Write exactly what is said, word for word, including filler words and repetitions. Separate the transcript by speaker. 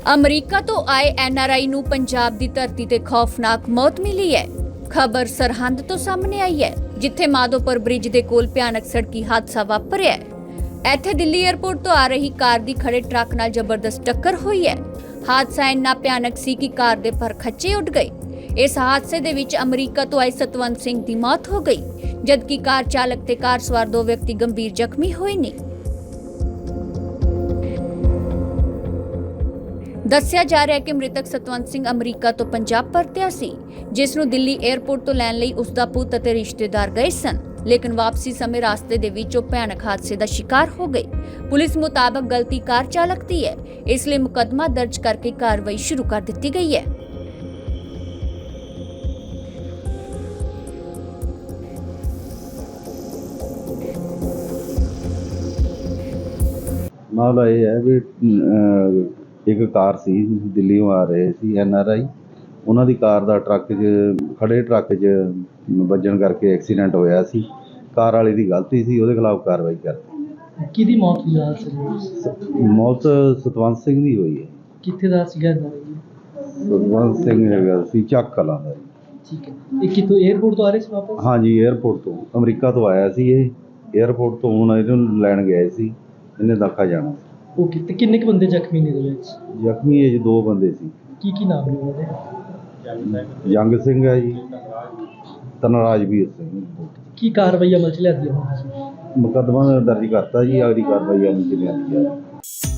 Speaker 1: America ਤੋਂ ਆਏ N R I ਨੂੰ ਪੰਜਾਬ ਦੀ ਧਰਤੀ ਤੇ ਖੌਫਨਾਕ ਮੌਤ ਮਿਲੀ ਹੈ। ਖਬਰ ਸਰਹੰਦ ਤੋਂ ਸਾਹਮਣੇ ਆਈ ਹੈ, ਜਿੱਥੇ ਮਾਧੋਪੁਰ ਬ੍ਰਿਜ ਦੇ ਕੋਲ ਭਿਆਨਕ ਸੜਕੀ ਹਾਦਸਾ ਵਾਪਰਿਆ ਹੈ। ਇੱਥੇ ਦਿੱਲੀ ਏਅਰਪੋਰਟ ਤੋਂ ਆ ਰਹੀ ਕਾਰ ਦੀ ਖੜੇ ਟਰੱਕ ਨਾਲ ਜ਼ਬਰਦਸਤ ਟੱਕਰ ਹੋਈ ਹੈ। ਹਾਦਸਾ ਇੰਨਾ ਭਿਆਨਕ ਸੀ ਕਿ ਕਾਰ ਦੇ ਪਰ ਖੱਚੇ ਉੱਡ ਗਏ। ਇਸ ਹਾਦਸੇ ਦੇ ਵਿੱਚ ਅਮਰੀਕਾ ਤੋਂ ਆਏ ਸਤਵੰਤ ਸਿੰਘ ਦੀ ਮੌਤ ਹੋ ਗਈ, ਜਦਕਿ ਕਾਰ ਚਾਲਕ ਤੇ ਕਾਰ ਸਵਾਰ ਦੋ ਵਿਅਕਤੀ ਗੰਭੀਰ ਜ਼ਖਮੀ ਹੋਏ ਨੇ। ਦੱਸਿਆ ਜਾ ਰਿਹਾ ਹੈ ਕਿ ਮ੍ਰਿਤਕ ਸਤਵੰਤ ਸਿੰਘ ਅਮਰੀਕਾ ਤੋਂ ਪੰਜਾਬ ਪਰਤਿਆ ਸੀ, ਜਿਸ ਨੂੰ ਦਿੱਲੀ ਏਅਰਪੋਰਟ ਤੋਂ ਲੈਣ ਲਈ ਉਸ ਦਾ ਪੁੱਤ ਅਤੇ ਰਿਸ਼ਤੇਦਾਰ ਗਏ ਸਨ, ਲੇਕਿਨ ਵਾਪਸੀ ਸਮੇਂ ਰਸਤੇ ਦੇ ਵਿੱਚ ਉਹ ਭਿਆਨਕ ਹਾਦਸੇ ਦਾ ਸ਼ਿਕਾਰ ਹੋ ਗਏ। ਪੁਲਿਸ ਮੁਤਾਬਕ ਗਲਤੀ ਕਾਰ ਚਾਲਕ ਦੀ ਹੈ, ਇਸ ਲਈ ਮੁਕੱਦਮਾ ਦਰਜ ਕਰਕੇ ਕਾਰਵਾਈ ਸ਼ੁਰੂ ਕਰ ਦਿੱਤੀ ਗਈ ਹੈ।
Speaker 2: ਮਾਮਲਾ ਇਹ ਹੈ ਵੀ ਇੱਕ ਕਾਰ ਸੀ, ਦਿੱਲੀੋਂ ਆ ਰਹੇ ਸੀ ਐਨ ਆਰ ਆਈ। ਉਹਨਾਂ ਦੀ ਕਾਰ ਦਾ ਟਰੱਕ 'ਚ ਖੜੇ ਟਰੱਕ 'ਚ ਵੱਜਣ ਕਰਕੇ ਐਕਸੀਡੈਂਟ ਹੋਇਆ ਸੀ। ਕਾਰ ਵਾਲੇ ਦੀ ਗਲਤੀ ਸੀ, ਉਹਦੇ ਖਿਲਾਫ ਕਾਰਵਾਈ ਕਰਤੀ।
Speaker 3: ਕਿਹਦੀ ਮੌਤ ਹੋਈ ਆ?
Speaker 2: ਮੌਤ ਸਤਵੰਤ ਸਿੰਘ ਦੀ ਹੋਈ ਹੈ।
Speaker 3: ਕਿੱਥੇ ਦਾ ਸੀਗਾ?
Speaker 2: ਸਤਵੰਤ ਸਿੰਘ ਹੈਗਾ ਸੀ ਚੱਕ ਕਲਾਂ ਦਾ।
Speaker 3: ਠੀਕ ਹੈ। ਇਹ ਕਿਤੋਂ ਏਅਰਪੋਰਟ ਤੋਂ ਆ ਰਹੇ ਸੀ ਵਾਪਸ?
Speaker 2: ਹਾਂਜੀ, ਏਅਰਪੋਰਟ ਤੋਂ ਅਮਰੀਕਾ ਤੋਂ ਆਇਆ ਸੀ ਇਹ। ਏਅਰਪੋਰਟ ਤੋਂ ਹੁਣ ਇਹਨੂੰ ਲੈਣ ਗਏ ਸੀ, ਇਹਨੇ ਦਾਖਾ ਜਾਣਾ।
Speaker 3: ਓਕੇ, ਤੇ ਕਿੰਨੇ ਕੁ ਬੰਦੇ ਜ਼ਖਮੀ ਨੇ ਇਹਦੇ ਵਿੱਚ?
Speaker 2: ਜ਼ਖਮੀ ਇਹ 'ਚ ਦੋ ਬੰਦੇ ਸੀ।
Speaker 3: ਕੀ ਕੀ ਨਾਮ ਨੇ ਉਹਦੇ?
Speaker 2: ਜੰਗ ਸਿੰਘ ਹੈ ਜੀ, ਤਨਰਾਜਵੀਰ ਸਿੰਘ।
Speaker 3: ਕੀ ਕਾਰਵਾਈ ਅਮਲ ਚ ਲਿਆਂਦੀ ਹੈ?
Speaker 2: ਮੁਕੱਦਮਾ ਦਰਜ ਕਰਤਾ ਜੀ, ਅਗਲੀ ਕਾਰਵਾਈ ਅਮਲ ਚ ਲਿਆਂਦੀ ਜਾ ਰਹੀ ਹੈ।